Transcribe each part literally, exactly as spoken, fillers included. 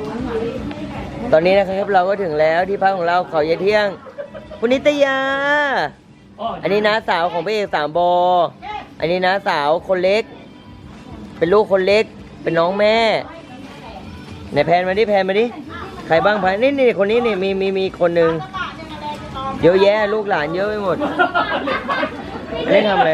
ตอนนี้นะครับเราก็ถึงแล้วที่พักของเราเขาเยเที่ยงคุณนิตยาอันนี้น้าสาวของพระเอกสามบออันนี้น้าสาวคนเล็กเป็นลูกคนเล็กเป็นน้องแม่ไหนแพนมาดิแพนมาดิใครบ้างแพนนี่นี่คนนี้นี่มีมีมีคนหนึ่งเยอะแยะลูกหลานเยอะไปหมดอันนี้ทำอะไร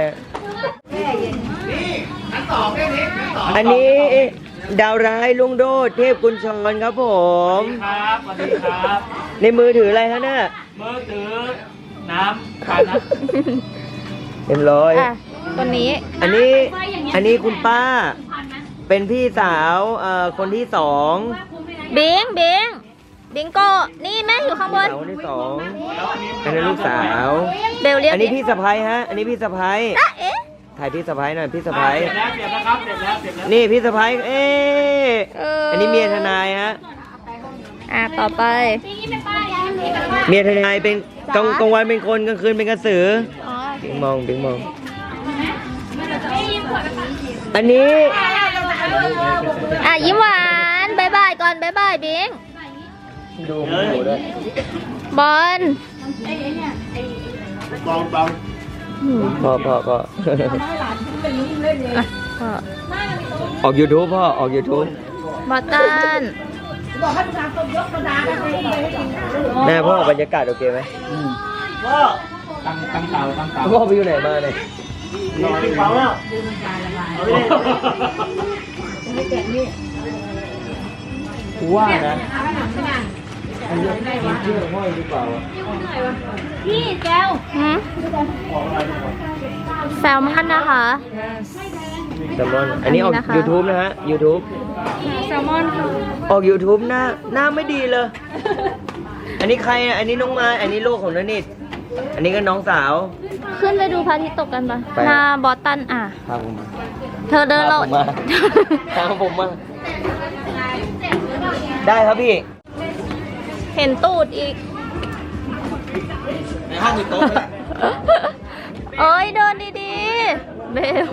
อันนี้ดาวร้ายลุงโดดเทพกุญชรครับผมครับสวัสดีครับในมือถืออะไรฮะเนี่ยมือถือน้ำขานะเต็มร้อยคนนี้อันนี้อันนี้คุณป้าเป็นพี่สาวเอ่อคนที่สองบิงบิงบิงโกนี่แม่อยู่ข้างบนคนที่สองอันนี้ลูกสาวเบลเรียกอันนี้พี่สะพ้ายฮะอันนี้พี่สะพ้ายถ่ายพี่สะพ้ายหน่อยพี่สะพ้ายเสร็จแล้วเสร็จแล้วครับเสร็จแล้วเสร็จแล้วนี่พี่สะพ้ายเอ๊ะอันนี้เมียทนายฮะอ่ะต่อไปเมียทนายเป็นกลางกลางวันเป็นคนกลางคืนเป็นกระสือบิงมองบิงมองอันนี้อ่ะยิ้มหวานบายบายก่อนบายบายบิงดูดูด้วยบอลบอลบอลพ่อพ่อพ่อออกยูทูบพ่อออกยูทูบบอตันแม่พ่อบรรยากาศโอเคไหมพ่อตั้งตั้งเตาตั้งเตาพ่อไปอยู่ไหนมาเนี่ยนอนที่เตาอ่ะว่านะอันนี้มันเชื่อห้อยหรือเปล่าพี่แก้วแซลมอนนะคะแซลมอนอันนี้ออก YouTube นะฮะ YouTube แซลมอนออก YouTube หน้าหน้าไม่ดีเลยอันนี้ใครอ่ะอันนี้น้องไม้อันนี้ลูกของนนิดอันนี้ก็น้องสาวขึ้นไปดูพระอาทิตย์ตกกันปะหน้าบอสตันอ่ะพาผมมาเธอเดินเราพาผมมาได้ครับพี่เห็นตูดอีกในห้องมีโต๊ะเอ้ยเดินดีๆเบล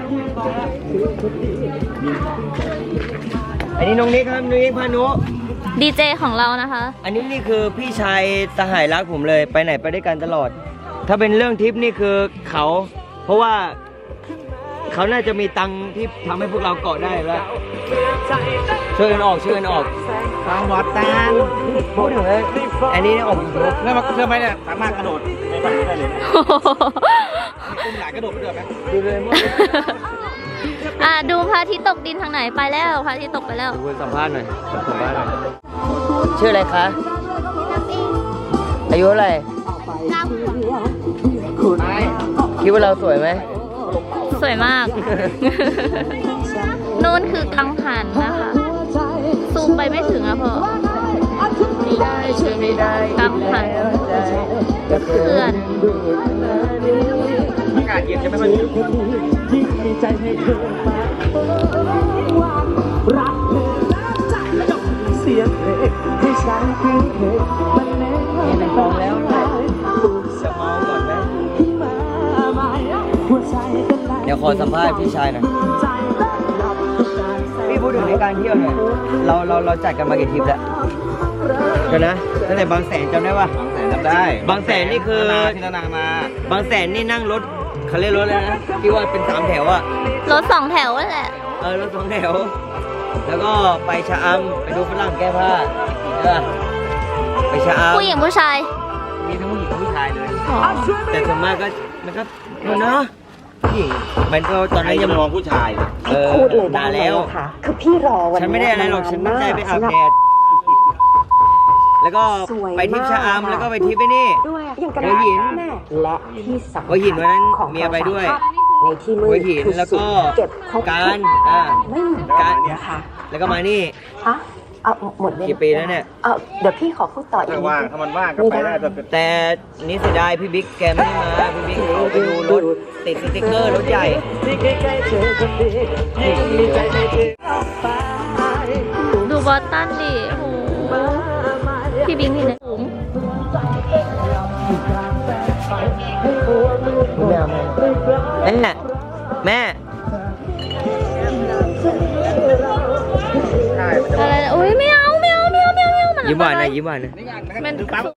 อันนี้น้องนิกครับน้องนิกพานุดีเจของเรานะคะอันนี้นี่คือพี่ชายสหายรักผมเลยไปไหนไปด้วยกันตลอดถ้าเป็นเรื่องทริปนี่คือเขาเพราะว่าเขาน่าจะมีตังค์ที่ทำให้พวกเราเกาะได้แล้วช่วยกันออกช่วยกันออกตามวัดตามพูดถึงเลยอันนี้ออกยูทูบแล้วมันเชื่อไหมเนี่ยสามารถกระโดดในบ้านได้เลยกุ้งหลายกระโดดเดือดไหมดูเลยมั้งอ่ะดูพระอาทิตย์ตกดินทางไหนไปแล้วพระอาทิตย์ตกไปแล้วดูสัมภาษณ์หน่อยสัมภาษณ์หน่อยชื่ออะไรคะอายุเท่าไหร่คิดว่าเราสวยไหมสวยมากนู่นคือกังหันนะคะซูมไปไม่ถึงอะพ่อกังหันเพื่อนอากาศเย็นใช่ไหมมันเสียงเพลงที่ฉันคือเพลงมันแน่นเป็นฟองแล้วจะเมาก่อนไหมเดี๋ยวขอสัมภาษณ์พี่ชายหน่อยพี่พูดถึงในการเที่ยวหน่อยเราเราเราจัดกันมากี่ทริปแล้วเดี๋ยวนะตั้งแต่บางแสนจำได้ป่ะบางแสนจำได้บางแสนนี่คือที่นานามาบางแสนนี่นั่งรถเขาเรียกรถอะไรนะที่ว่าเป็นสามแถวอะรถสองแถวนั่นแหละเออรถสองแถวแล้วก็ไปชะอำไปดูฝรั่งแก้ผ้าใช่ป่ะไปชะอำผู้หญิงผู้ชายมีทั้งผู้หญิงผู้ชายเลยแต่ส่วนมากก็มันก็มันเนาะผู้หญิงมันก็ตอนนั้นยังมองผู้ชายเออพูดเลยด่าแล้วค่ะคือพี่รอวันนี้ฉันไม่ได้อะไรหรอกฉันตั้งใจไปอาบแดดแล้วก็ไปทริปชะอำแล้วก็ไปทริปไปนี่หัวหินและที่สำคัญหัวหินวันนั้นเมียไปด้วยในที่มืดคือสุดเก็บครบการอ่าไม่เหมือนกันนะคะแล้วก็มานี่ฮะเอาหมดกี่ปีแล้วเนี่ยเออเดี๋ยวพี่ขอพูดต่ออีกนิดนึงถ้ามันว่างก็ไปได้แต่นี่เสียดายพี่บิ๊กแกไม่มาพี่บิ๊กเขาไปดูรถติดสติ๊กเกอร์รถใหญ่ดูบอสตันดิโอ้โหพี่บิ๊กนี่เนี่ยสูงแม่แม่อะไรอุ้ยไม่เอาไม่ยิ้มหวานหนะยิ้มหวานหนะนี่งานนะครับมันดึงปั๊บ